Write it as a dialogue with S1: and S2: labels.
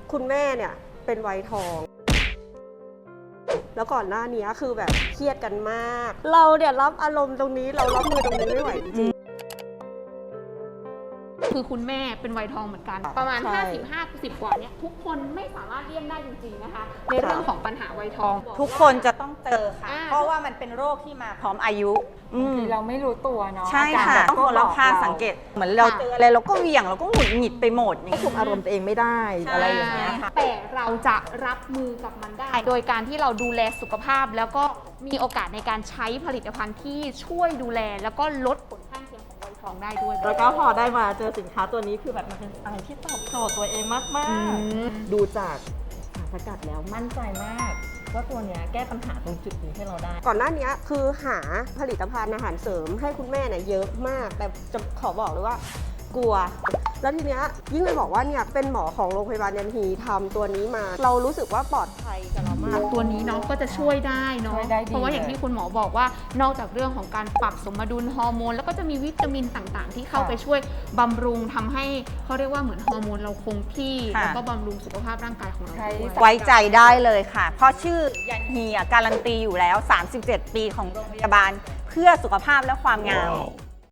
S1: คุณแม่เนี่ยเป็นวัยทอง แล้วก่อนหน้านี้คือแบบเครียดกันมาก เราเนี่ยรับอารมณ์ตรงนี้เรารับมือตรงนี้ไม่ไหวจริง
S2: คือคุณแม่เป็นวัยทองเหมือนกัน ประมาณ
S1: ใช่
S2: 55-60 กว่าเนี่ยทุกคนไม่สามารถเลี่ยงได้จริงๆนะคะ ในเรื่องของปัญหาวัยทอง
S3: ทุกคนจะต้องเจอค่ะ
S2: อ่า
S3: เพราะว่ามันเป็นโรคที่มาพร้อมอายุอืม
S4: เราไม่รู้ตัวเนาะ
S3: ใช่ค่ะ
S4: าการ
S3: ต้องคนรอบข้างสังเกต เหมือนเราเจออะไรเราก็เหวี่ยงเราก็หงุดหงิดไปหมดอย่าง
S1: ควบ
S3: เงี้ย
S1: คุมอารมณ์ตัวเองไม่ได้อะไรอย่างเงี้ย
S2: แต่เราจะรับมือกับมันได้ โดยการที่เราดูแลสุขภาพ แล้วก็มีโอกาสในการใช้ผลิตภัณฑ์ที่ช่วยดูแล แล้วก็ลดผลข้างเคียงของวัยทองได้ด้วย
S1: แล้วก็พอได้มาเจอสินค้าตัวนี้คือแบบมันเป็นอะไรที่ตอบโจทย์ตัวเองมากๆ ดูจากสารสกัดแล้วมั่นใจมากว่าตัวเนี้ยแก้ปัญหาตรงจุดนี้ให้เราได้ ก่อนหน้านี้คือหาผลิตภัณฑ์อาหารเสริมให้คุณแม่เนี่ยเยอะมาก แต่จะขอบอกเลยว่ากลัว แล้วทีเนี้ยยิ่งไปบอกว่าเนี่ยเป็นหมอของโรงพยาบาลยันฮีทำตัวนี้มา เรารู้สึกว่าปลอดภัยกับเรามาก
S2: ตัวนี้เนาะก็จะช่วยได้เนาะ
S4: ช่วยได้ดี
S2: เพราะว่าอย่างที่คุณหมอบอกว่านอกจากเรื่องของการปรับสมดุลฮอร์โมนแล้วก็จะมีวิตามินต่างๆ ที่เข้าไปช่วยบำรุงทำให้เขาเรียกว่าเหมือนฮอร์โมนเราคงที่
S3: ค่ะ
S2: แล้วก็บำรุงสุขภาพร่างกายของเราด้วย
S3: ไว้ใจได้เลยค่ะ เพราะชื่อยันฮีการันตีอยู่แล้ว 37 ปีของโรงพยาบาลเพื่อสุขภาพและความงาม